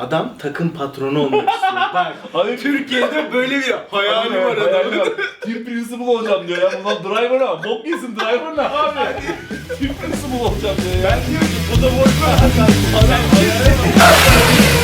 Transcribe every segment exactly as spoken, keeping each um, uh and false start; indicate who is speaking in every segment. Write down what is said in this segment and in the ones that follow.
Speaker 1: Adam takım patronu olmak istiyor. Bak
Speaker 2: Abi
Speaker 1: Türkiye'de böyle bir hayali var adamın.
Speaker 2: Team Principal olacağım diyor ya. Bundan driver ha. Bok yesin driver ne abi? Team Principal olacağım diyor ya.
Speaker 1: Ben diyorum ki bu da boş ver.
Speaker 2: Adam hayali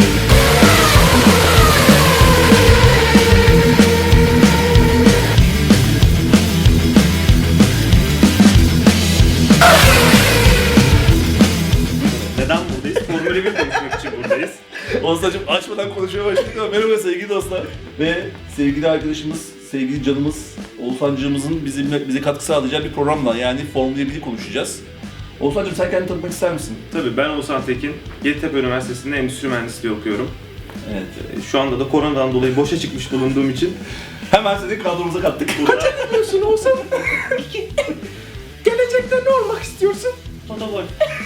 Speaker 3: Neden buradayız? Formula bir konuşmak için buradayız.
Speaker 2: Oğuzhan'cığım açmadan konuşmaya başladık ama merhaba sevgili dostlar. Ve sevgili arkadaşımız, sevgili canımız Oğuzhan'cığımızın bizimle, bize katkı sağlayacağı bir programla yani Formula biri konuşacağız. Oğuzhan'cığım sen kendini tanıtmak ister misin?
Speaker 3: Tabii ben Oğuzhan Tekin, Yeditepe Üniversitesi'nde endüstri mühendisliği okuyorum.
Speaker 2: Evet.
Speaker 3: Şu anda da koronadan dolayı boşa çıkmış bulunduğum için
Speaker 2: Hemen seni kadromuza kattık.
Speaker 3: burada
Speaker 1: Diyorsun Oğuzhan. Gelecekte ne olmak istiyorsun?
Speaker 3: Totogol.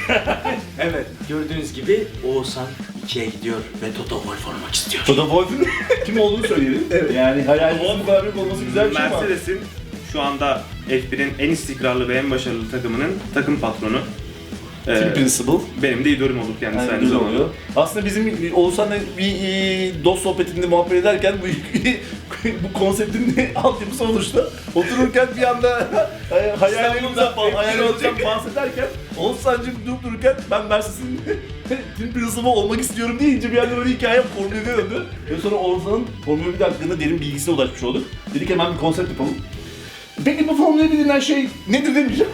Speaker 1: Evet, gördüğünüz gibi Oğuzhan ikiye gidiyor ve Toto Wolff olmak istiyor.
Speaker 2: Toto Wolff'un kim olduğunu söyleyelim.
Speaker 1: Evet.
Speaker 2: Yani hayalimizin bu kadar büyük olması güzel bir şey ama.
Speaker 3: Mercedes'in şu anda F bir'in en istikrarlı ve en başarılı takımının takım patronu. Ee,
Speaker 2: Team Principal.
Speaker 3: benim de idolüm olur kendisi
Speaker 2: Yani
Speaker 3: aynı
Speaker 2: güzel
Speaker 3: zamanda.
Speaker 2: oluyor. Aslında bizim Oğuzhan'la bir e, dost sohbetinde muhabbet ederken bu bu konseptin altyapısı oluştu. Otururken bir anda e, hayallerimizden
Speaker 1: İstanbul'da
Speaker 2: hayallerimizden bahsederken Oğuzhan'cığım durup dururken ben Mercedes'in Team Principal olmak istiyorum deyince bir anda böyle hikaye Formula bir'e döndü. Ve sonra Oğuzhan'ın Formula bir hakkında derin bilgisine ulaşmış olduk. Dedik hemen bir konsept yapalım. Peki bu Formula bir denilen şey nedir demeyeceğim.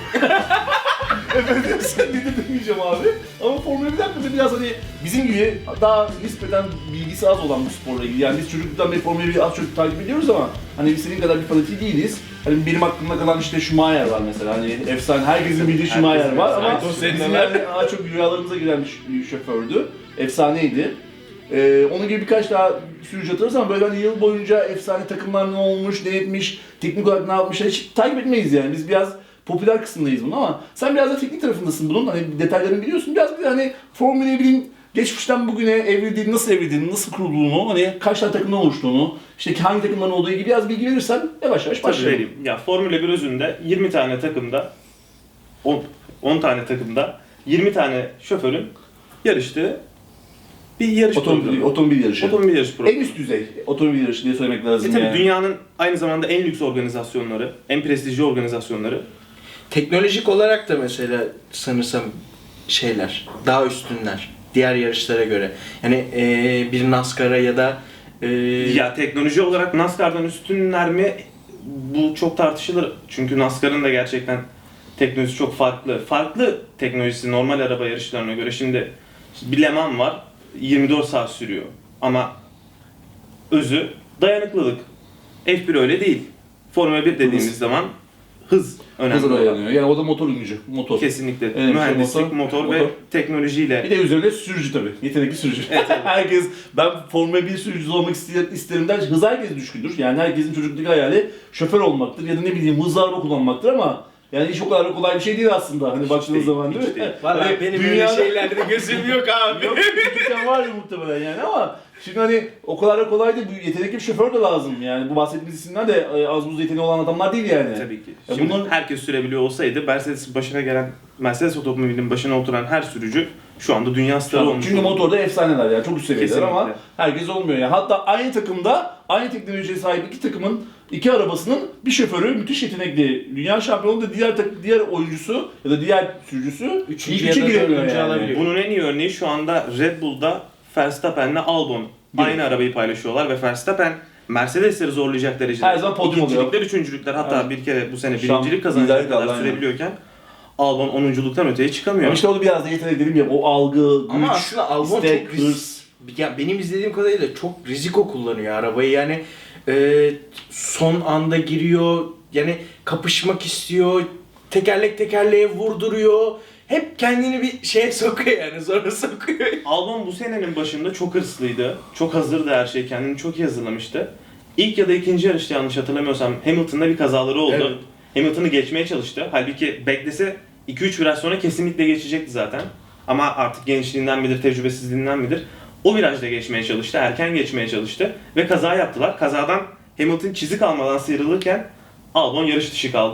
Speaker 2: Efendim sen nedir demeyeceğim abi. Ama Formula bir hakkında biraz hani bizim gibi daha nispeten bilgisi az olan bu sporla ilgili. Yani biz çocukluktan beri Formula bir'i az çok takip ediyoruz ama hani biz senin kadar bir fanatiği değiliz. Hani benim aklımda kalan işte Schumacher var mesela. Hani efsane, herkesin bildiği Schumacher var ama
Speaker 1: Aynen,
Speaker 2: bizim
Speaker 1: senin
Speaker 2: yani daha çok rüyalarımıza giren bir şofördü. Efsaneydi. Ee, onun gibi birkaç daha sürücü hatırlarız ama böyle hani yıl boyunca efsane takımlar ne olmuş, ne etmiş, teknik olarak ne yapmış hiç takip etmeyiz yani. Biz biraz popüler kısmındayız bunun ama sen biraz da teknik tarafındasın bunun. Hani detaylarını biliyorsun. Biraz bir de hani Formula bir'in geçmişten bugüne evrildiğini, nasıl evrildiğini, nasıl kurulduğunu, hani kaç tane takımdan oluştuğunu, işte hangi takımların olduğu gibi biraz bilgi verirsen yavaş yavaş
Speaker 3: Tabii
Speaker 2: başlayalım.
Speaker 3: vereyim. Ya Formula bir özünde yirmi tane takımda, on, on tane takımda yirmi tane şoförün yarıştığı bir yarış
Speaker 2: Otomobil,
Speaker 3: programı.
Speaker 2: otomobil yarışı.
Speaker 3: Otomobil yarış programı.
Speaker 2: En üst düzey otomobil yarışı diye söylemek lazım
Speaker 3: E tabii
Speaker 2: yani.
Speaker 3: dünyanın aynı zamanda en lüks organizasyonları, en prestijli organizasyonları.
Speaker 1: Teknolojik olarak da mesela sanırsam şeyler, daha üstünler diğer yarışlara göre. Yani eee bir NASCAR'a ya da eee
Speaker 3: Ya teknoloji olarak NASCAR'dan üstünler mi? Bu çok tartışılır. Çünkü NASCAR'ın da gerçekten teknolojisi çok farklı. Farklı teknolojisi normal araba yarışlarına göre. Şimdi bir Le Mans var, yirmi dört saat sürüyor. Ama özü dayanıklılık. F bir öyle değil. Formula bir dediğimiz
Speaker 2: Hız.
Speaker 3: zaman hız önemli
Speaker 2: Hızla
Speaker 3: olan.
Speaker 2: dayanıyor. Yani o da motor gücü. Motor.
Speaker 3: Kesinlikle.
Speaker 2: Evet,
Speaker 3: Mühendislik,
Speaker 2: motor,
Speaker 3: motor, ve
Speaker 2: motor.
Speaker 3: teknolojiyle.
Speaker 2: Bir de üzerine sürücü tabii. Yetenekli sürücü. Herkes, ben Formula bir sürücüsü olmak ister, isterim der. Hız herkes düşkündür. Yani herkesin çocukluğu hayali şoför olmaktır ya da ne bileyim hızlı araba kullanmaktır ama yani hiç o kadar kolay bir şey değil aslında hani baktığınız
Speaker 3: değil,
Speaker 2: zaman
Speaker 3: hiç
Speaker 2: değil mi?
Speaker 3: değil.
Speaker 1: Valla
Speaker 2: Hani
Speaker 1: benim
Speaker 2: dünyada-
Speaker 1: öyle şeylerde gözüm yok abi.
Speaker 2: Yok çocukken var ya muhtemelen yani ama şimdi hani o kadar da kolay değil. Bu yetenekli bir şoför de lazım yani. Bu bahsettiğimiz isimler de e, az buz yeteneği olan adamlar değil yani.
Speaker 3: Tabii ki.
Speaker 2: Ya
Speaker 3: Şimdi
Speaker 2: bunların-
Speaker 3: herkes sürebiliyor olsaydı Mercedes'in başına gelen, Mercedes otomobilinin başına oturan her sürücü şu anda dünya starı olmuş.
Speaker 2: Çünkü
Speaker 3: olurdu.
Speaker 2: motorda efsaneler yani çok üst seviyeler
Speaker 3: Kesinlikle.
Speaker 2: ama herkes olmuyor yani. Hatta aynı takımda aynı teknolojiye sahip iki takımın iki arabasının bir şoförü müthiş yetenekli. Dünya şampiyonu da diğer tak- diğer oyuncusu ya da diğer sürücüsü
Speaker 1: Üçüncü
Speaker 2: ilk üçe
Speaker 1: ya da
Speaker 2: giremiyor
Speaker 1: dördüncü
Speaker 2: yani.
Speaker 1: alabiliyor.
Speaker 3: Bunun en iyi örneği şu anda Red Bull'da Verstappen'le Albon aynı arabayı paylaşıyorlar ve Verstappen Mercedes'leri zorlayacak derecede
Speaker 2: Her zaman podyum oluyor.
Speaker 3: ikincilikler, üçüncülükler hatta
Speaker 2: Evet.
Speaker 3: bir kere bu sene
Speaker 2: Şu an
Speaker 3: birincilik kazanacak
Speaker 2: liderlik
Speaker 3: kadar
Speaker 2: aldı, aynen.
Speaker 3: sürebiliyorken Albon onunculuktan öteye çıkamıyor.
Speaker 2: Ama işte o da biraz da yetenek dediğim gibi o algı, güç,
Speaker 1: Ama aslında Albon
Speaker 2: istek,
Speaker 1: çok risk.
Speaker 2: hırs.
Speaker 1: Ya benim izlediğim kadarıyla çok riziko kullanıyor arabayı yani e, son anda giriyor yani kapışmak istiyor tekerlek tekerleğe vurduruyor hep kendini bir şeye sokuyor yani sonra sokuyor.
Speaker 3: Albon bu senenin başında çok hırslıydı. Çok hazırdı her şey. Kendini çok iyi hazırlamıştı. İlk ya da ikinci yarışta yanlış hatırlamıyorsam Hamilton'da bir kazaları oldu.
Speaker 1: Evet.
Speaker 3: Hamilton'ı geçmeye çalıştı. Halbuki beklese iki üç viraj sonra kesinlikle geçecekti zaten. Ama artık gençliğinden midir, tecrübesizliğinden midir? O virajda geçmeye çalıştı, erken geçmeye çalıştı ve kaza yaptılar. Kazadan Hamilton çizik almadan sıyrılırken Albon yarış dışı kaldı.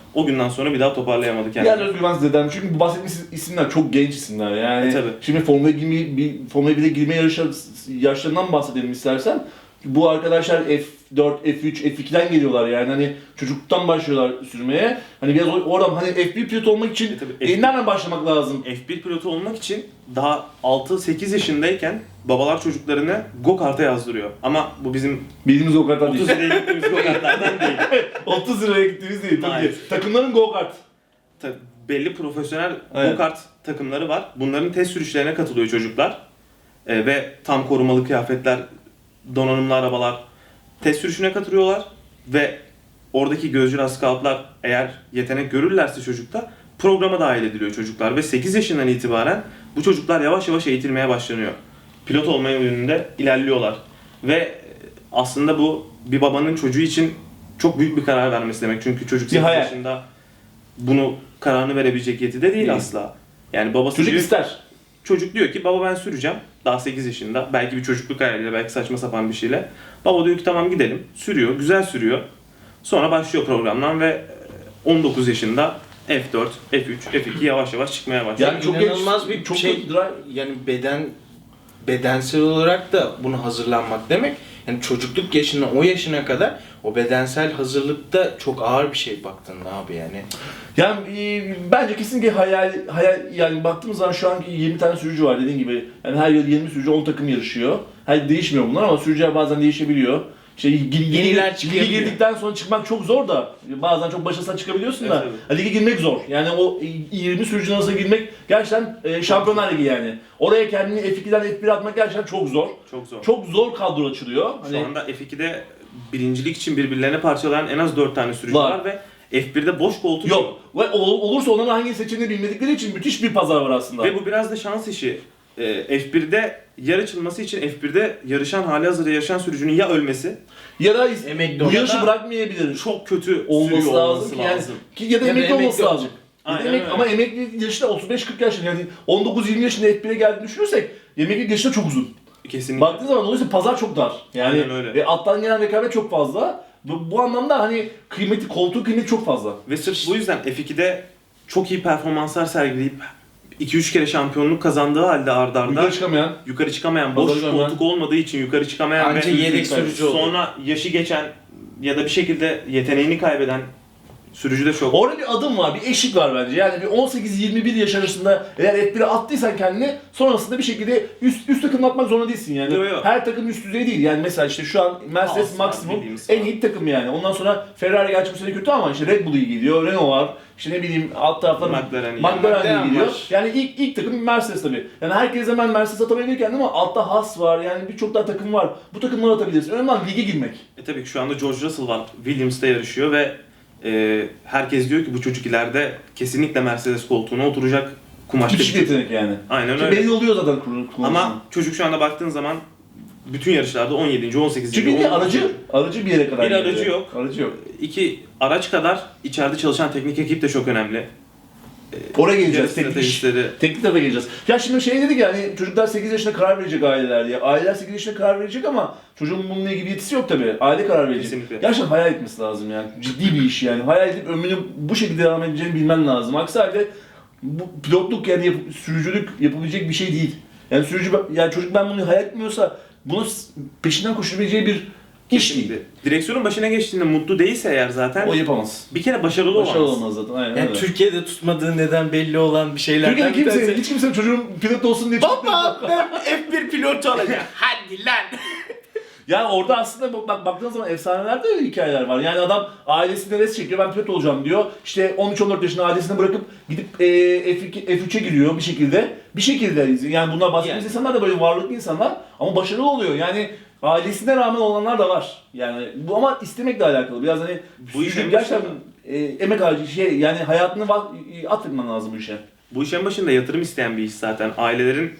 Speaker 3: o günden sonra bir daha toparlayamadı kendini.
Speaker 2: Diğer özgüven dedem çünkü bu bahsettiğimiz isimler çok genç isimler yani.
Speaker 3: E, tabii.
Speaker 2: Şimdi Formula bir, bir Formula bir'e girme yarışı, yaşlarından bahsedelim istersen. Bu arkadaşlar F dört, F üç, F iki'den geliyorlar yani hani çocukluktan başlıyorlar sürmeye. Hani biraz oradan hani F bir pilot olmak için
Speaker 3: E, tabii,
Speaker 2: e, nereden başlamak lazım?
Speaker 3: F bir pilotu olmak için daha altı sekiz yaşındayken babalar çocuklarını go-kart'a yazdırıyor. Ama bu bizim
Speaker 2: Bildiğimiz go kartlar
Speaker 3: otuz
Speaker 2: değil.
Speaker 3: liraya gittiğimiz go-kartlardan değil.
Speaker 2: otuz liraya gittiğimiz değil tabii.
Speaker 3: Hayır.
Speaker 2: Takımların go kart.
Speaker 3: Ta- belli profesyonel
Speaker 2: Evet.
Speaker 3: go-kart takımları var. Bunların test sürüşlerine katılıyor çocuklar. Ee, ve tam korumalı kıyafetler, donanımlı arabalar test sürüşüne katılıyorlar ve oradaki gözcü scoutlar eğer yetenek görürlerse çocukta programa dahil ediliyor çocuklar ve sekiz yaşından itibaren bu çocuklar yavaş yavaş eğitilmeye başlanıyor. Pilot olmaya yönünde ilerliyorlar ve aslında bu bir babanın çocuğu için çok büyük bir karar vermesi demek. Çünkü çocuk sekiz
Speaker 2: hayal.
Speaker 3: yaşında bunu kararını verebilecek yetide değil,
Speaker 2: Değil.
Speaker 3: asla. Yani babası
Speaker 2: Çocuk
Speaker 3: diyor,
Speaker 2: ister.
Speaker 3: çocuk diyor ki baba ben süreceğim. Daha sekiz yaşında. Belki bir çocukluk hayaliyle, belki saçma sapan bir şeyle. Baba diyor ki tamam gidelim. Sürüyor, güzel sürüyor. Sonra başlıyor programdan ve on dokuz yaşında F dört, F üç, F iki yavaş yavaş çıkmaya başlıyor.
Speaker 2: Yani çok
Speaker 1: İnanılmaz
Speaker 2: genç,
Speaker 1: bir
Speaker 2: çok
Speaker 1: şey.
Speaker 2: drive-
Speaker 1: Yani beden bedensel olarak da buna hazırlanmak demek. Yani çocukluk yaşına, o yaşına kadar o bedensel hazırlıkta çok ağır bir şey baktığında abi yani.
Speaker 2: Yani e, bence kesinlikle hayal, hayal yani baktığımız zaman şu anki yirmi tane sürücü var dediğin gibi. Yani her yıl yirmi sürücü on takım yarışıyor. Her değişmiyor bunlar ama sürücüler bazen değişebiliyor. İşte yeni,
Speaker 1: Yeniler
Speaker 2: lige
Speaker 1: çıkabiliyor.
Speaker 2: girdikten sonra çıkmak çok zor da bazen çok başarısına çıkabiliyorsun da
Speaker 3: Evet,
Speaker 2: evet. Lige girmek zor. Yani o yirmi sürücünün arasına girmek gerçekten e, Şampiyonlar Ligi yani. Oraya kendini F iki'den F bir'e atmak gerçekten çok zor.
Speaker 3: Çok zor.
Speaker 2: Çok zor kadro açılıyor.
Speaker 3: Şu
Speaker 2: Hani
Speaker 3: anda F iki'de birincilik için birbirlerine parçalayan en az dört tane sürücü
Speaker 2: Var.
Speaker 3: var, ve F bir'de boş koltuk
Speaker 2: yok. Ve ol- olursa onların hangi seçeneğini bilmedikleri için müthiş bir pazar var aslında.
Speaker 3: Ve bu biraz da şans işi. Ee, F bir'de yer açılması için F bir'de yarışan, halihazırda yarışan sürücünün ya ölmesi,
Speaker 2: Ya da
Speaker 1: Emekli
Speaker 2: bu
Speaker 1: olsa
Speaker 2: yarışı
Speaker 1: da
Speaker 2: bırakmayabilir.
Speaker 3: çok kötü
Speaker 2: Olması
Speaker 3: sürüyor
Speaker 2: lazım
Speaker 3: olması
Speaker 2: ki yani
Speaker 3: lazım.
Speaker 2: ki ya da
Speaker 1: Ya da
Speaker 2: emekli olması
Speaker 1: emekli
Speaker 2: lazım.
Speaker 1: olacak.
Speaker 2: Ya da
Speaker 3: Aynen
Speaker 2: emek-
Speaker 3: öyle.
Speaker 2: ama emekli yaşı da otuz beş kırk yaş yani on dokuz yirmi yaşında F bir'e geldiğini düşünürsek emekli yaşı da çok uzun.
Speaker 3: Kesinlikle.
Speaker 2: Baktığın zaman dolayısıyla pazar çok dar. Yani
Speaker 3: Aynen öyle.
Speaker 2: ve alttan gelen rekabet çok fazla. Bu, bu anlamda hani kıymeti, koltuğu kıymeti çok fazla.
Speaker 3: Ve sırf bu yüzden F iki'de çok iyi performanslar sergileyip iki üç kere şampiyonluk kazandığı halde arda arda
Speaker 2: Yukarı çıkamayan.
Speaker 3: yukarı çıkamayan, boş
Speaker 2: Pazarı görmeyen.
Speaker 3: koltuk olmadığı için yukarı çıkamayan
Speaker 1: Anca
Speaker 3: ve
Speaker 1: yedek sürücü oluyor.
Speaker 3: sonra yaşı geçen ya da bir şekilde yeteneğini kaybeden sürücü de çok.
Speaker 2: Orada bir adım var, bir eşik var bence. Yani bir on sekiz yirmi bir yaş arasında eğer F bir'e attıysan kendini sonrasında bir şekilde üst üst takım atmak zorunda değilsin yani.
Speaker 3: Yo, yo.
Speaker 2: Her takım üst düzey değil. Yani mesela işte şu an Mercedes
Speaker 3: Asla
Speaker 2: maksimum
Speaker 3: bildiğimiz
Speaker 2: en
Speaker 3: falan.
Speaker 2: iyi takım yani. Ondan sonra Ferrari gerçi bu sene kötü ama işte Red Bull iyi gidiyor, Renault var. İşte ne bileyim alt taraftan
Speaker 3: McLaren iyi.
Speaker 2: McLaren
Speaker 1: McLaren
Speaker 2: iyi gidiyor.
Speaker 1: var.
Speaker 2: Yani ilk ilk takım Mercedes tabii. Yani herkes hemen Mercedes atamayabilir kendini ama altta Haas var. Yani birçok daha takım var. Bu takımları atabilirsin. Önemli olan lige girmek.
Speaker 3: E tabii ki şu anda George Russell var. Williams'ta yarışıyor ve e, herkes diyor ki bu çocuk ileride kesinlikle Mercedes koltuğuna oturacak kumaşta.
Speaker 2: Müthiş bir yetenek yani.
Speaker 3: Aynen
Speaker 2: Ki
Speaker 3: öyle.
Speaker 2: belli oluyor zaten kurulu.
Speaker 3: Ama çocuk şu anda baktığın zaman bütün yarışlarda on yedinci on sekizinci
Speaker 2: çünkü bir
Speaker 3: on dokuzuncu
Speaker 2: aracı aracı bir yere kadar
Speaker 3: Bir aracı
Speaker 2: geliyor.
Speaker 3: yok.
Speaker 2: Aracı yok.
Speaker 3: İki araç kadar içeride çalışan teknik ekip de çok önemli.
Speaker 2: Oraya
Speaker 3: Yarış
Speaker 2: geleceğiz. Teknik,
Speaker 3: stratejistleri.
Speaker 2: teknik tarafa geleceğiz. Ya şimdi şey dedik yani çocuklar sekiz yaşında karar verecek aileler diye. Aileler sekiz yaşında karar verecek ama çocuğun bununla ilgili yetisi yok tabii. Aile karar verecek.
Speaker 3: Kesinlikle.
Speaker 2: Gerçekten hayal etmesi lazım yani. Ciddi bir iş yani. Hayal edip ömrünü bu şekilde devam edeceğini bilmen lazım. Aksi halde bu pilotluk yani yap- sürücülük yapabilecek bir şey değil. Yani sürücü yani çocuk ben bunu hayal etmiyorsa bunu peşinden koşabileceği bir iş değil.
Speaker 3: Kesinlikle. Direksiyonun başına geçtiğinde mutlu değilse eğer zaten
Speaker 2: O yapamaz.
Speaker 3: bir kere başarılı
Speaker 2: Başarılı
Speaker 3: olamaz.
Speaker 2: olmaz zaten. Aynen
Speaker 1: Yani
Speaker 2: öyle.
Speaker 1: Türkiye'de tutmadığı neden belli olan bir şeylerden
Speaker 2: Türkiye'de
Speaker 1: bir
Speaker 2: kimse,
Speaker 1: tanesi.
Speaker 2: hiç kimse çocuğun pilot olsun diye
Speaker 1: Baba ben F bir pilotu olacağım. Hadi lan.
Speaker 2: Ya orada aslında bak, bak baktığın zaman efsanelerde öyle hikayeler var. Yani adam ailesine res çekiyor, ben pilot olacağım diyor. İşte on üç on dört yaşında ailesini bırakıp gidip e, F iki, F üç'e giriyor bir şekilde. Bir şekilde yani bunlar bahsettiğimiz
Speaker 1: Yani.
Speaker 2: insanlar da böyle varlıklı insanlar ama başarılı oluyor. Yani ailesine rağmen olanlar da var. Yani bu ama istemekle alakalı. Biraz hani
Speaker 3: Bu işin
Speaker 2: sürücülük gerçekten
Speaker 3: başında-
Speaker 2: e, emek harcı şey yani hayatını va- atfetmen lazım bu işe.
Speaker 3: Bu işin başında yatırım isteyen bir iş zaten. Ailelerin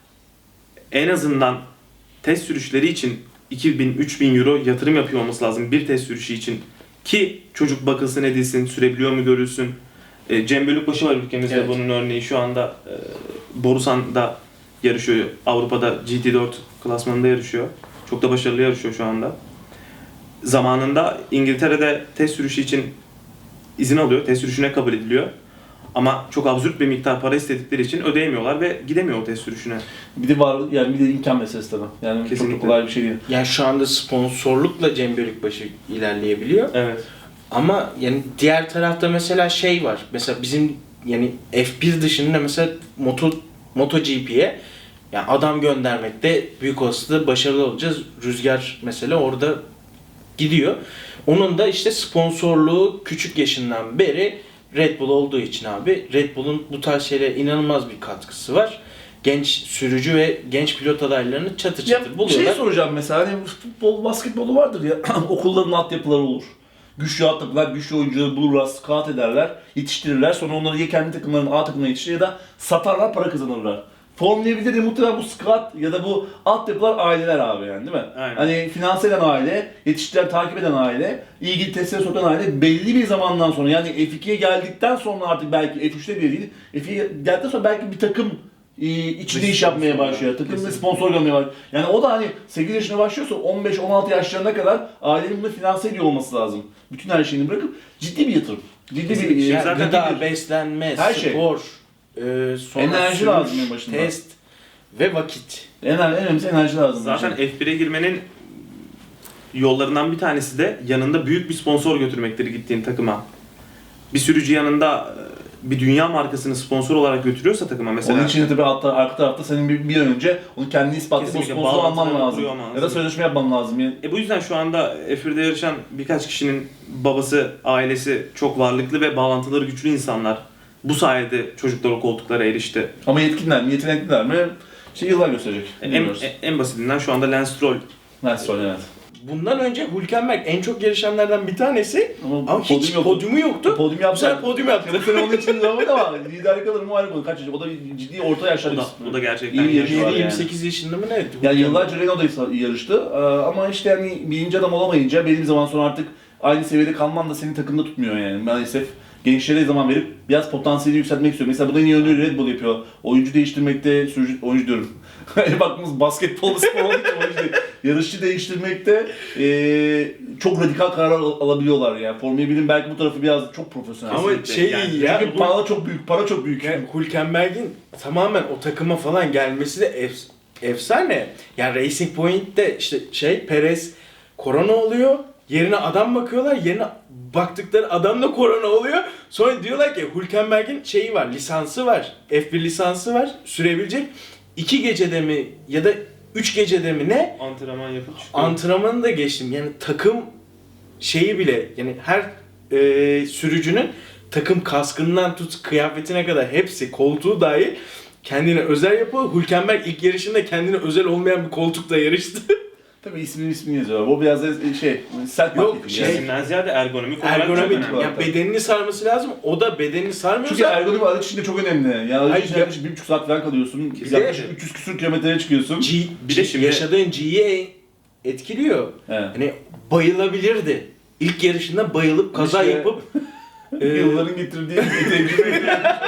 Speaker 3: en azından test sürüşleri için iki bin üç bin euro yatırım yapıyor olması lazım bir test sürüşü için. Ki çocuk bakılsın edilsin, sürebiliyor mu görülsün. E, Cem Bölükbaşı var ülkemizde
Speaker 2: Evet.
Speaker 3: bunun örneği. Şu anda e, Borusan'da yarışıyor. Avrupa'da G T dört klasmanında yarışıyor. Çok da başarılı yarışıyor şu anda. Zamanında İngiltere'de test sürüşü için izin alıyor, test sürüşüne kabul ediliyor. Ama çok absürt bir miktar para istedikleri için ödeyemiyorlar ve gidemiyor o test sürüşüne.
Speaker 2: Bir de var yani bir de imkan meselesi tabii. Yani
Speaker 3: Kesinlikle.
Speaker 2: çok da kolay bir şey değil.
Speaker 1: Yani şu anda sponsorlukla Cem Bölükbaşı ilerleyebiliyor.
Speaker 3: Evet.
Speaker 1: Ama yani diğer tarafta mesela şey var. Mesela bizim yani F bir dışında mesela Moto MotoGP'ye yani adam göndermekte büyük olasılıkla başarılı olacağız. Rüzgar mesela orada gidiyor. Onun da işte sponsorluğu küçük yaşından beri Red Bull olduğu için abi Red Bull'un bu tarz şeylere inanılmaz bir katkısı var. Genç sürücü ve genç pilot adaylarını çatır
Speaker 2: Ya
Speaker 1: çatır
Speaker 2: şey
Speaker 1: buluyorlar.
Speaker 2: soracağım mesela hani futbol, basketbolu vardır ya okulların altyapıları olur. Güçlü altyapılar, güçlü oyuncuları bulurlar, scout ederler, yetiştirirler. Sonra onları ya kendi takımlarının A takımına yetiştirir ya da satarlar, para kazanırlar. Formula birde de muhtemelen bu scout ya da bu altyapılar aileler abi yani değil mi?
Speaker 3: Aynen.
Speaker 2: Hani finanse eden aile, yetiştiren, takip eden aile, ilgili testlere sokan aile belli bir zamandan sonra yani F ikiye geldikten sonra artık belki F üçte bile değil, F ikiye geldikten sonra belki bir takım e, içinde iş yapmaya başlıyor. Takım ve sponsor görmeye başlıyor. Yani o da hani sekiz yaşına başlıyorsa on beş on altı yaşlarına kadar ailenin bunu finanse ediyor olması lazım. Bütün her şeyini bırakıp ciddi bir yatırım. Ciddi bir
Speaker 3: Kesinlikle.
Speaker 2: e,
Speaker 1: Yani
Speaker 3: Zaten
Speaker 1: gıda,
Speaker 2: bir-
Speaker 1: beslenme,
Speaker 2: Her şey.
Speaker 1: spor, e, sonra
Speaker 2: Enerji
Speaker 1: sürüş,
Speaker 2: lazım en başında.
Speaker 1: test ve vakit.
Speaker 2: en, en önemlisi enerji lazım.
Speaker 3: Zaten
Speaker 2: bence.
Speaker 3: F bire girmenin yollarından bir tanesi de yanında büyük bir sponsor götürmektir gittiğin takıma. Bir sürücü yanında e, bir dünya markasını sponsor olarak götürüyorsa takıma mesela.
Speaker 2: Onun için de tabii altta, arka tarafta senin bir, bir an önce onu kendini ispatlayıp o
Speaker 3: Kesinlikle
Speaker 2: sponsoru alman
Speaker 3: bağlantılarını
Speaker 2: lazım.
Speaker 3: kuruyor olman
Speaker 2: Ya da
Speaker 3: lazım.
Speaker 2: sözleşme yapman lazım. Yani.
Speaker 3: E bu yüzden şu anda F birde yarışan birkaç kişinin babası, ailesi çok varlıklı ve bağlantıları güçlü insanlar. Bu sayede çocuklar o koltuklara erişti.
Speaker 2: Ama yetkinler mi, yetenekliler mi? İşte yıllar gösterecek.
Speaker 3: En,
Speaker 2: Bilmiyoruz.
Speaker 3: en, en basitinden şu anda Lance Stroll.
Speaker 2: Nasıl söyle evet.
Speaker 1: Bundan önce Hülkenberg en çok yarışanlardan bir tanesi
Speaker 2: Ama,
Speaker 1: ama hiç
Speaker 2: yoktu.
Speaker 1: podyumu yoktu.
Speaker 2: Podyum
Speaker 1: Bu
Speaker 2: yaptı.
Speaker 1: sefer podyum yaptı.
Speaker 2: Bu sene onun için zaman ama liderlik alır mı ayrı konu. Kaç yaşında? O da bir ciddi orta yaşlarda.
Speaker 3: O da,
Speaker 2: bir-
Speaker 3: o da gerçekten
Speaker 2: İyi bir yarışı var
Speaker 1: yirmi
Speaker 2: yani.
Speaker 1: yirmi sekiz yaşında mı ne?
Speaker 2: Yani yıllarca Renault'da yarıştı Ee, ama işte yani birinci adam olamayınca belli bir zaman sonra artık aynı seviyede kalman da seni takımda tutmuyor yani maalesef. Gençlere zaman verip biraz potansiyeli yükseltmek istiyor. Mesela bu da en iyi örneği Red Bull yapıyor. Oyuncu değiştirmekte, sürücü, oyuncu diyorum. Baktığımız basketbol spor olduğu için oyuncu değil. Yarışçı değiştirmekte eee çok radikal kararlar al- alabiliyorlar yani. Formula birin belki bu tarafı biraz çok profesyonel.
Speaker 1: Ama
Speaker 3: Kesinlikle.
Speaker 1: şey
Speaker 3: Yani
Speaker 1: ya,
Speaker 2: Çünkü
Speaker 1: bu-
Speaker 2: para çok büyük, para çok büyük.
Speaker 1: yani Hülkenberg'in tamamen o takıma falan gelmesi de ef- efsane. Yani Racing Point'te işte şey Perez korona oluyor. Yerine adam bakıyorlar. Yerine baktıkları adam da korona oluyor. Sonra diyorlar ki Hülkenberg'in şeyi var, lisansı var. F bir lisansı var. Sürebilecek. iki gecede mi ya da üç gecede mi ne?
Speaker 3: Antrenman yapıp çıkıyor.
Speaker 1: Antrenmanı da geçtim. Yani takım şeyi bile yani her e, sürücünün takım kaskından tut kıyafetine kadar hepsi koltuğu dahil kendine özel yapıyor. Hülkenberg ilk yarışında kendine özel olmayan bir koltukla yarıştı.
Speaker 2: Tabii ismini ismini yazıyorlar. O biraz da şey, self
Speaker 1: Yok,
Speaker 2: marketing
Speaker 1: şey-
Speaker 2: yani.
Speaker 3: Isimden ziyade ergonomik olarak çok
Speaker 1: Ergonomik.
Speaker 3: önemli.
Speaker 1: Ya bedenini sarması lazım. O da bedenini
Speaker 2: Çünkü
Speaker 1: sarmıyorsa
Speaker 2: ergonomi araç içinde çok önemli. Yani araç
Speaker 1: Hayır,
Speaker 2: içinde
Speaker 1: ya-
Speaker 2: yaklaşık bir buçuk saat falan kalıyorsun.
Speaker 1: Bir de-
Speaker 2: Yaklaşık üç yüz küsur kilometreye çıkıyorsun.
Speaker 1: G,
Speaker 3: Bir de
Speaker 1: G-
Speaker 3: şimdi-
Speaker 1: yaşadığın G'yi etkiliyor.
Speaker 2: Evet.
Speaker 1: Hani bayılabilirdi. İlk yarışında bayılıp kaza
Speaker 2: İşte-
Speaker 1: yapıp e,
Speaker 2: Yılların getirdiği bir tecrübe.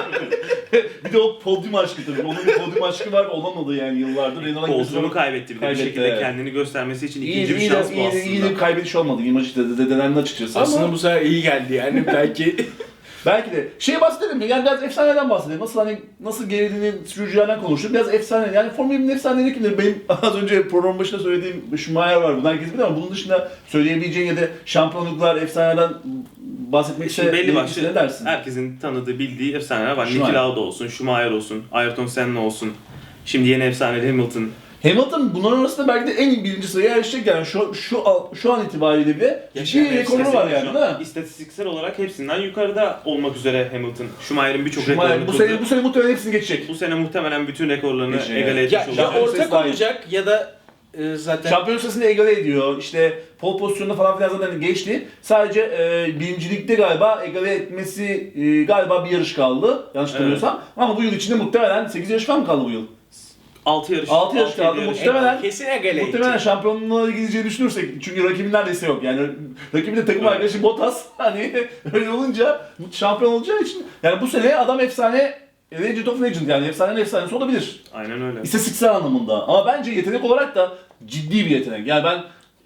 Speaker 2: Bir de o podyum aşkı tabii. Onun bir podyum aşkı var, olamadı yani yıllardır. Renault'a
Speaker 3: Koltuğunu kaybetti bir de bir
Speaker 2: Kaybetti,
Speaker 3: şekilde
Speaker 2: evet.
Speaker 3: kendini göstermesi için
Speaker 2: İyi,
Speaker 3: ikinci bir
Speaker 2: iyi,
Speaker 3: şans
Speaker 2: de,
Speaker 3: bu
Speaker 2: iyi, de,
Speaker 3: aslında.
Speaker 2: iyi de bir kaybediş olmadı. İmaj işte de denendi açıkçası
Speaker 1: aslında
Speaker 2: ama
Speaker 1: bu sefer iyi geldi yani belki.
Speaker 2: belki de şey bahsedelim mi? Yani biraz efsaneden bahsedelim. Nasıl hani nasıl gerildiğini sürücülerden konuştuk. Biraz efsane. Yani Formula bir'in efsaneleri kimdir? Benim az önce programın başında söylediğim Schumacher var. Bunu herkes bilir ama bunun dışında söyleyebileceğin ya da şampiyonluklar efsaneden bahsetmek
Speaker 3: Şimdi belli başlı
Speaker 2: ne dersin?
Speaker 3: herkesin tanıdığı, bildiği efsaneler var.
Speaker 2: Schumacher.
Speaker 3: Niki Lauda olsun, Schumacher olsun, Ayrton Senna olsun. Şimdi yeni efsane Hamilton.
Speaker 2: Hamilton bunların arasında belki de en iyi birinci sıraya erişecek yani şu şu an- şu an itibariyle bile
Speaker 1: Yaşayan
Speaker 2: bir rekoru var yani
Speaker 3: Şu
Speaker 2: değil
Speaker 3: an
Speaker 2: mi?
Speaker 3: İstatistiksel olarak hepsinden yukarıda olmak üzere Hamilton. Schumacher'in birçok
Speaker 2: Schumacher
Speaker 3: rekorunu
Speaker 2: bu
Speaker 3: kırdı.
Speaker 2: sene bu sene muhtemelen hepsini geçecek.
Speaker 3: Bu sene muhtemelen bütün rekorlarını
Speaker 2: Geçecek,
Speaker 3: egale
Speaker 2: evet.
Speaker 3: etmiş
Speaker 1: ya,
Speaker 3: olacak.
Speaker 1: ya
Speaker 2: Şampiyon sayısı
Speaker 1: ortak
Speaker 2: dahil.
Speaker 1: olacak ya da e, zaten
Speaker 2: Şampiyon sırasında egale ediyor. İşte pole pozisyonunda falan filan zaten geçti. Sadece e, birincilikte galiba egale etmesi e, galiba bir yarış kaldı. Yanlış hatırlamıyorsam. Ama bu yıl içinde muhtemelen sekiz yarış falan mı kaldı bu yıl?
Speaker 3: altı yarış.
Speaker 2: Altı yarış
Speaker 3: altı,
Speaker 2: kaldı.
Speaker 3: yedi yarış.
Speaker 2: Muhtemelen-
Speaker 1: kesin egale
Speaker 2: Muhtemelen
Speaker 1: edecek.
Speaker 2: şampiyonluğa gideceğini düşünürsek çünkü rakibin neredeyse yok yani rakibin de takım
Speaker 3: Evet.
Speaker 2: arkadaşı Bottas hani öyle olunca şampiyon olacağı için yani bu sene adam efsane Legend of Legend yani efsanenin efsanesi olabilir.
Speaker 3: Aynen öyle.
Speaker 2: İstatistiksel anlamında ama bence yetenek olarak da ciddi bir yetenek. Yani ben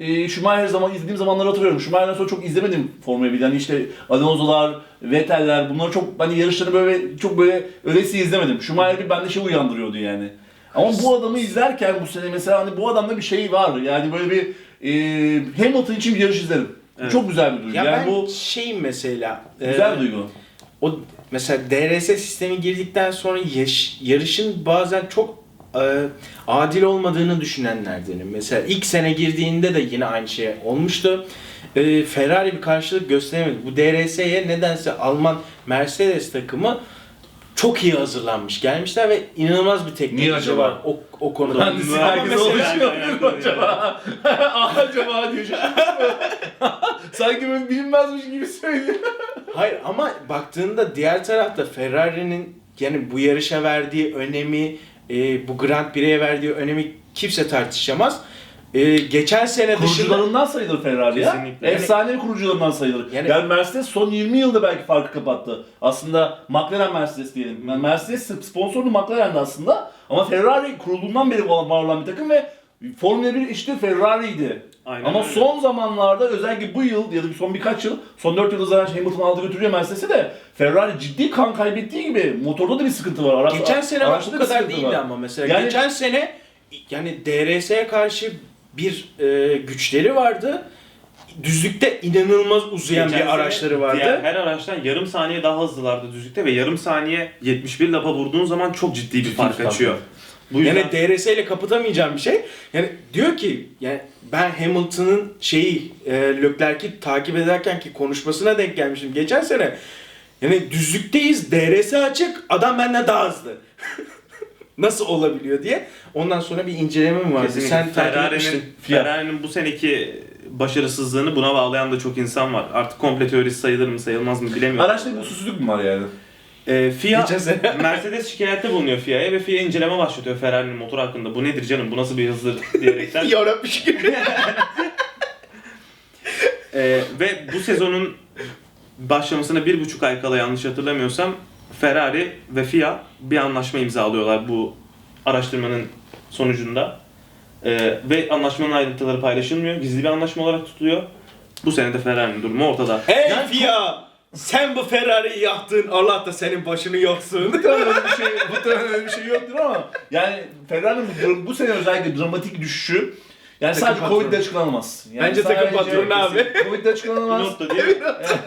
Speaker 2: e, Schumacher zaman izlediğim zamanları hatırlıyorum. Schumacher'dan sonra çok izlemedim Formula bir. Yani işte Alonso'lar, Vettel'ler bunları çok hani yarışları böyle çok böyle öylesi izlemedim. Schumacher bir bende şey uyandırıyordu yani. Ama bu adamı izlerken bu sene mesela hani bu adamda bir şey var. Yani böyle bir e, Hamilton için bir yarış izlerim.
Speaker 3: Evet.
Speaker 2: Çok güzel bir duygu.
Speaker 1: Ya
Speaker 2: yani
Speaker 1: ben
Speaker 2: bu
Speaker 1: şeyim mesela.
Speaker 2: güzel
Speaker 1: e,
Speaker 2: bir duygu.
Speaker 1: O mesela D R S sistemi girdikten sonra yaş- yarışın bazen çok e, adil olmadığını düşünenlerdenim. Mesela ilk sene girdiğinde de yine aynı şey olmuştu. E, Ferrari bir karşılık gösteremedi. Bu D R S'ye nedense Alman Mercedes takımı çok iyi hazırlanmış gelmişler ve inanılmaz bir
Speaker 2: Niye
Speaker 1: teknoloji
Speaker 2: acaba?
Speaker 1: var o, o konuda.
Speaker 2: Mühendislik
Speaker 3: Ama
Speaker 2: herkes
Speaker 3: mesela-
Speaker 2: oluşmuyor
Speaker 3: Yani-
Speaker 2: mu acaba? Acaba diyor. Sanki böyle bilinmezmiş gibi söylüyor.
Speaker 1: Hayır ama baktığında diğer tarafta Ferrari'nin yani bu yarışa verdiği önemi, e, bu Grand Prix'e verdiği önemi kimse tartışamaz. E, geçen sene dışında
Speaker 2: Kurucularından sayılır Ferrari ya.
Speaker 3: Kesinlikle.
Speaker 2: Efsane kurucularından sayılır.
Speaker 1: Yani-
Speaker 2: Yani, Mercedes son yirmi yılda belki farkı kapattı. Aslında McLaren Mercedes diyelim. Yani Mercedes sponsorlu McLaren'di aslında. Ama Ferrari kurulduğundan beri var olan bir takım ve Formula bir işte Ferrari'ydi.
Speaker 3: Aynen
Speaker 2: Ama
Speaker 3: öyle.
Speaker 2: son zamanlarda özellikle bu yıl ya da son birkaç yıl, son dört yılda zaten Hamilton aldı götürüyor Mercedes'i de Ferrari ciddi kan kaybettiği gibi motorda da bir sıkıntı var. Araç,
Speaker 1: geçen sene bak
Speaker 2: araçta
Speaker 1: bu
Speaker 2: da bir
Speaker 1: kadar
Speaker 2: sıkıntı
Speaker 1: değildi
Speaker 2: var.
Speaker 1: ama mesela
Speaker 2: Yani-
Speaker 1: geçen sene yani D R S'ye karşı bir e, güçleri vardı. Düzlükte inanılmaz uzayan
Speaker 3: Geçen
Speaker 1: bir
Speaker 3: sene
Speaker 1: araçları vardı.
Speaker 3: Diğer her araçtan yarım saniye daha hızlılardı düzlükte ve yarım saniye yetmiş bir lapa vurduğun zaman çok ciddi bir
Speaker 2: Ciddi
Speaker 3: fark
Speaker 2: bir fark
Speaker 3: açıyor.
Speaker 2: var.
Speaker 3: Bu yüzden
Speaker 1: Yani D R S ile kapatamayacağım bir şey. Yani diyor ki yani ben Hamilton'ın şeyi e, Leclerc'i takip ederken ki konuşmasına denk gelmiştim geçen sene. Yani düzlükteyiz, D R S açık, adam benden daha hızlı. Nasıl olabiliyor diye. Ondan sonra bir inceleme mi vardı?
Speaker 3: kesinlikle
Speaker 1: Sen takip
Speaker 3: Ferrari'nin
Speaker 1: etmiştin.
Speaker 3: Ferrari'nin bu seneki başarısızlığını buna bağlayan da çok insan var. Artık komple teorisi sayılır mı sayılmaz mı bilemiyorum.
Speaker 2: Araçta bir usulsüzlük mü var yani?
Speaker 3: Ee, F I A
Speaker 1: Geçen sene.
Speaker 3: Mercedes şikayette bulunuyor F I A'ya ve F I A inceleme başlatıyor Ferrari'nin motoru hakkında. Bu nedir canım? Bu nasıl bir hızdır diyerekten.
Speaker 1: Yarabmış gibi.
Speaker 3: Ee, ve bu sezonun başlamasına bir buçuk ay kala yanlış hatırlamıyorsam Ferrari ve F I A bir anlaşma imzalıyorlar bu araştırmanın sonucunda. Ee, ve anlaşmanın ayrıntıları paylaşılmıyor. Gizli bir anlaşma olarak tutuluyor. Bu sene de Ferrari'nin durumu ortada.
Speaker 1: Hey
Speaker 2: Yani
Speaker 1: F I A! Sen bu Ferrari'yi yaktın, Allah da senin başını yaksın.
Speaker 2: Muhtemelen öyle bir şey, muhtemelen öyle bir şey yoktur ama yani Ferrari'nin bu, bu sene özellikle dramatik düşüşü yani
Speaker 1: Takım
Speaker 2: sadece
Speaker 1: patronu.
Speaker 2: Covid'le açıklanamaz. Yani
Speaker 1: Bence takım
Speaker 2: sadece-
Speaker 1: patronu abi.
Speaker 2: Covid'le açıklanamaz.
Speaker 3: Nokta değil mi?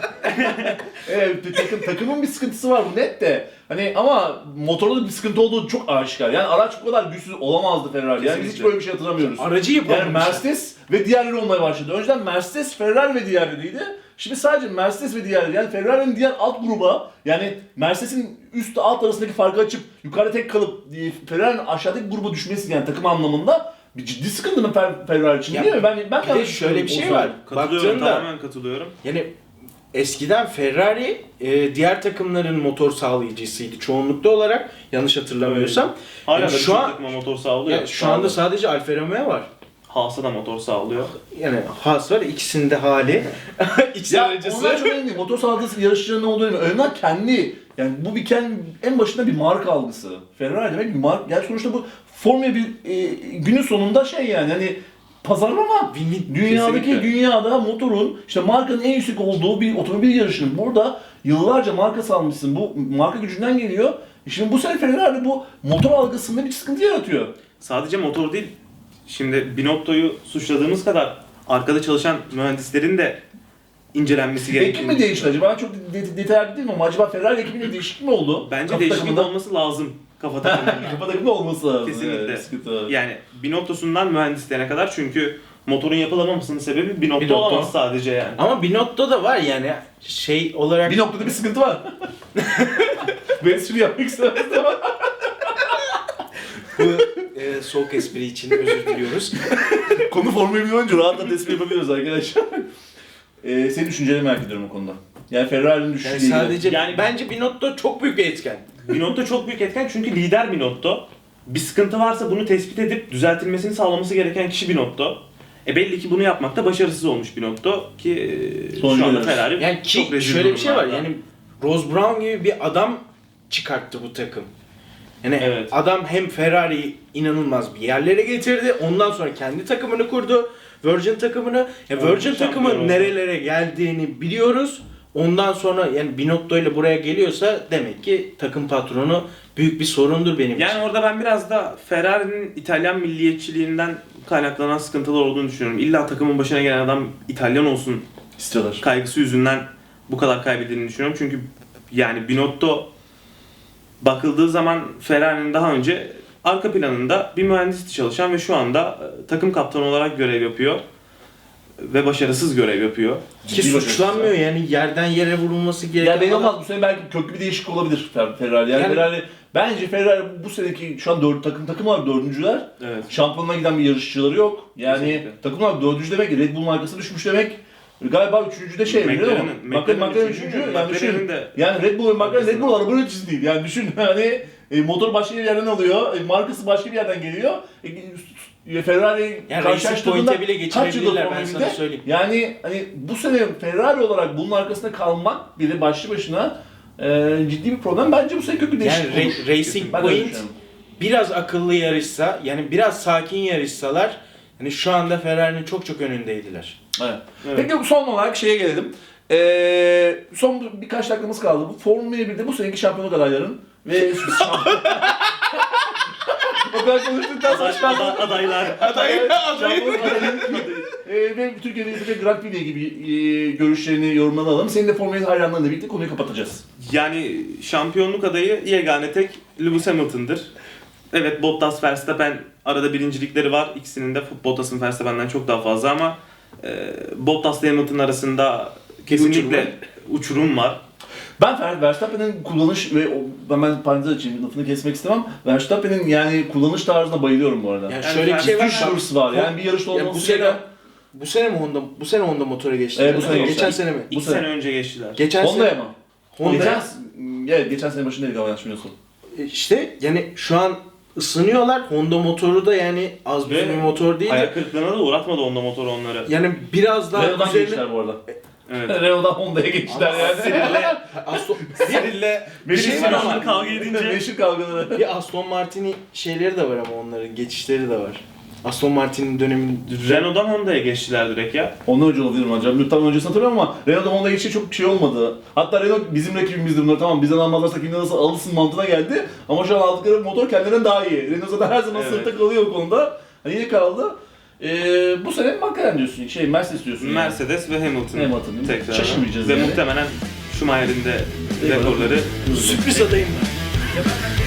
Speaker 2: Evet, bir takım, takımın bir sıkıntısı var bu net de. Hani ama motorda da bir sıkıntı olduğu çok aşikar. Yani araç bu kadar güçsüz olamazdı Ferrari. Yani biz hiç
Speaker 3: Kesinlikle.
Speaker 2: böyle bir şey hatırlamıyoruz.
Speaker 1: Aracı
Speaker 2: Yani
Speaker 1: yapamamışlar.
Speaker 2: Mercedes ve diğerleri olmaya başladı. Önceden Mercedes, Ferrari ve diğerleriydi. Şimdi sadece Mercedes ve diğerleri. Yani Ferrari'nin diğer alt gruba yani Mercedes'in üst alt arasındaki farkı açıp yukarıda tek kalıp e, Ferrari'nin aşağıdaki gruba düşmesi yani takım anlamında bir ciddi sıkıntı mı Fer- Ferrari için
Speaker 1: Ya,
Speaker 2: değil mi? Ben ben
Speaker 1: bir de
Speaker 2: yanlış
Speaker 1: şöyle bir
Speaker 2: düşünüyorum
Speaker 1: şey
Speaker 2: o
Speaker 1: var.
Speaker 3: Katılıyorum,
Speaker 1: Baktığında
Speaker 3: tamamen katılıyorum.
Speaker 1: yani eskiden Ferrari e, diğer takımların motor sağlayıcısıydı çoğunlukta olarak yanlış hatırlamıyorsam.
Speaker 3: Hala
Speaker 1: Yani
Speaker 3: da
Speaker 1: şu
Speaker 3: şu
Speaker 1: an-
Speaker 3: an motor sağlıyor.
Speaker 1: Yani şu anda sadece Alfa Romeo var.
Speaker 3: Haas'a da motor sağlıyor.
Speaker 1: Yani Haas var ikisinde hali. İkisi
Speaker 2: Ya
Speaker 1: aracısı.
Speaker 2: onlar çok önemli değil. Motor sahası yarışçıların ne olduğu önemli. Önemli kendi yani bu bir kendi en başında bir marka algısı. Ferrari demek bir marka. Yani sonuçta bu Formula bir e, günün sonunda şey yani hani pazarlama.
Speaker 1: Win-win.
Speaker 2: Dünyadaki
Speaker 3: Kesinlikle.
Speaker 2: dünyada motorun işte markanın en yüksek olduğu bir otomobil yarışının burada yıllarca marka salmışsın. Bu marka gücünden geliyor. E Şimdi bu sene Ferrari bu motor algısında bir sıkıntı yaratıyor.
Speaker 3: Sadece motor değil. Şimdi Binotto'yu suçladığımız kadar arkada çalışan mühendislerin de incelenmesi
Speaker 2: Ekip
Speaker 3: gerektiğini
Speaker 2: mi değişti
Speaker 3: düşünüyorum.
Speaker 2: acaba? Çok de- detaylı değil mi ama acaba Ferrari ekibinde değişiklik mi oldu?
Speaker 3: Bence
Speaker 2: Kafa
Speaker 3: değişiklik
Speaker 2: takımında-
Speaker 3: olması lazım kafa takımında.
Speaker 2: Kafa takımda olması lazım.
Speaker 3: Kesinlikle.
Speaker 2: Evet, sıkıntı var.
Speaker 3: Yani Binotto'sundan mühendislerine kadar çünkü motorun yapılamamasının sebebi Binotto,
Speaker 1: Binotto.
Speaker 3: olamaz sadece yani.
Speaker 1: Ama Binotto da var yani şey olarak.
Speaker 2: Bir noktada bir sıkıntı var. Ben espri yapmak istemezdim ama.
Speaker 1: Bu e, soğuk espri için özür diliyoruz.
Speaker 2: Konu Formula bir önce rahatla espri yapabiliyoruz arkadaşlar. Ee, senin düşünceni merak ediyorum o konuda. Yani Ferrari'nin düşüşüyle
Speaker 1: Yani
Speaker 2: ilgili.
Speaker 1: sadece
Speaker 3: Yani-
Speaker 1: bence Binotto çok büyük bir etken.
Speaker 3: Binotto çok büyük etken çünkü lider Binotto. Bir sıkıntı varsa bunu tespit edip düzeltilmesini sağlaması gereken kişi Binotto. E belli ki bunu yapmakta başarısız olmuş Binotto ki e,
Speaker 2: Sonucu
Speaker 3: şu anda
Speaker 2: görüyoruz.
Speaker 3: Ferrari
Speaker 1: Yani ki
Speaker 3: çok rezil
Speaker 1: şöyle bir şey var
Speaker 3: durumlarda.
Speaker 1: yani Ross Brown gibi bir adam çıkarttı bu takım. Yani
Speaker 3: Evet.
Speaker 1: adam hem Ferrari'yi inanılmaz bir yerlere getirdi. Ondan sonra kendi takımını kurdu. Virgin takımını. Ya
Speaker 3: Evet,
Speaker 1: Virgin
Speaker 3: şampiyon
Speaker 1: takımı
Speaker 3: oldu.
Speaker 1: nerelere geldiğini biliyoruz. Ondan sonra yani Binotto ile buraya geliyorsa demek ki takım patronu büyük bir sorundur benim
Speaker 3: Yani
Speaker 1: için.
Speaker 3: orada ben biraz da Ferrari'nin İtalyan milliyetçiliğinden kaynaklanan sıkıntılar olduğunu düşünüyorum. İlla takımın başına gelen adam İtalyan olsun
Speaker 2: İstiyorlar.
Speaker 3: kaygısı yüzünden bu kadar kaybettiğini düşünüyorum. Çünkü yani Binotto bakıldığı zaman Ferrari'nin daha önce arka planında bir mühendisti çalışan ve şu anda e, takım kaptanı olarak görev yapıyor. Ve başarısız görev yapıyor.
Speaker 1: Ki
Speaker 2: Ciddi
Speaker 1: suçlanmıyor yani yerden yere vurulması gereken.
Speaker 2: Ya belli
Speaker 1: adam-
Speaker 2: olmaz bu sene belki köklü bir değişik olabilir Fer- Ferrari. Yani,
Speaker 1: Yani-
Speaker 2: Ferrari bence Ferrari bu seneki şu an dört takım takım var dördüncüler.
Speaker 3: Evet.
Speaker 2: Şampiyonluğa giden bir yarışçıları yok. Yani
Speaker 3: Kesinlikle.
Speaker 2: takımlar dördüncü demek Red Bull'un arkasına düşmüş demek. Galiba üçüncü de şey biliyor musun?
Speaker 3: McLaren'in-
Speaker 2: McLaren, McLaren
Speaker 3: üçüncü,
Speaker 2: üçüncü. Yani
Speaker 3: McLaren'in
Speaker 2: düşün.
Speaker 3: de-
Speaker 2: Yani Red Bull ve McLaren Red Bull araba üreticisi değil. Yani düşün hani e, motor başka bir yerden alıyor, e, markası başka bir yerden geliyor. E, Ferrari
Speaker 1: Yani Racing
Speaker 2: karşılaştırdığında
Speaker 1: Point'e bile
Speaker 2: kaç yıldır
Speaker 1: geçirebilirler ben
Speaker 2: Formula
Speaker 1: sana
Speaker 2: birde?
Speaker 1: söyleyeyim.
Speaker 2: Yani hani bu sene Ferrari olarak bunun arkasında kalmak bile başlı başına e, ciddi bir problem. Bence bu sene köklü
Speaker 1: Yani
Speaker 2: değişiklik olur.
Speaker 1: Ra- Racing
Speaker 2: Ben öyle
Speaker 1: Point
Speaker 2: düşünüyorum.
Speaker 1: biraz akıllı yarışsa, yani biraz sakin yarışsalar, hani şu anda Ferrari'nin çok çok önündeydiler.
Speaker 2: Evet.
Speaker 3: Evet.
Speaker 2: Peki son olarak şeye gelelim. Ee, son birkaç dakikamız kaldı. Bu Formula birde bu seneki şampiyonluk adayların ve o kadar konuştuktan sonra şampiyonluk
Speaker 3: adaylar.
Speaker 2: şampiyonluk adayının ee, ve Türkiye'de yapacak Grand Prix ile ilgili e, görüşlerini, yorumlarını alalım. Senin de Formula bir hayranlarınla birlikte konuyu kapatacağız.
Speaker 3: Yani şampiyonluk adayı yegane tek Lewis Hamilton'dır. Evet, Bottas, Verstappen arada birincilikleri var. İkisinin de Bottas'ın Verstappen'den çok daha fazla ama e, Bottas ile Hamilton arasında kesinlikle uçurum var.
Speaker 2: Ben Fer- Verstappen'in kullanış ve o, ben, ben parantez açayım lafını kesmek istemem. Verstappen'in yani kullanış tarzına bayılıyorum bu arada.
Speaker 1: Yani,
Speaker 3: Yani
Speaker 1: şöyle bir şey var.
Speaker 2: Müthiş hırs var. Yani bir yarışta
Speaker 1: Ya bu
Speaker 2: olması
Speaker 1: sene
Speaker 2: gereken...
Speaker 1: bu sene mi Honda bu sene Honda motora geçti?
Speaker 2: Evet, bu sene
Speaker 1: Geçen
Speaker 2: geçtiler.
Speaker 1: sene mi?
Speaker 3: İki
Speaker 2: sene.
Speaker 3: sene önce geçtiler.
Speaker 1: Geçen
Speaker 2: Honda'ya
Speaker 1: sene
Speaker 2: mı?
Speaker 1: Honda
Speaker 2: Geçen, evet, geçen sene başındaydık ama yanlış bilmiyorsam.
Speaker 1: işte yani şu an ısınıyorlar. Honda motoru da yani az
Speaker 3: Ve
Speaker 1: bir motor değil.
Speaker 3: Ayak kırıklığına da uğratmadı Honda motoru onları.
Speaker 1: Yani biraz daha
Speaker 2: Renault'dan
Speaker 1: üzerine
Speaker 2: geçtiler bu arada.
Speaker 3: Evet.
Speaker 2: Renault'dan Honda'ya geçtiler yani.
Speaker 1: Aston Ciril'le bir şey var ama
Speaker 3: kavga edince
Speaker 2: Meşhur kavgaları.
Speaker 1: bir Aston Martin'i şeyleri de var ama onların geçişleri de var. Aston Martin'in döneminde
Speaker 3: Renault'dan Honda'ya geçtiler direkt ya.
Speaker 2: Ondan önce olabilir mi acaba? Tam öncesini hatırlamıyorum ama Renault'dan Honda'ya geçişi çok şey olmadı. Hatta Renault bizim rakibimizdi bunlar, tamam bizden almazlarsa kimden nasıl alırsın mantığına geldi. Ama şu an aldıkları motor kendilerinden daha iyi. Renault zaten her zaman
Speaker 3: Evet.
Speaker 2: sınıfta kalıyor bu konuda. Hani yine kaldı. Ee, bu sene McLaren diyorsun, şey Mercedes diyorsun. yani.
Speaker 3: Mercedes ve Hamilton.
Speaker 2: Hamilton değil mi?
Speaker 3: Tekrar.
Speaker 2: Şaşırmayacağız
Speaker 3: Ve
Speaker 2: yani.
Speaker 3: muhtemelen Schumacher'in de rekorları
Speaker 1: sürpriz adayım var.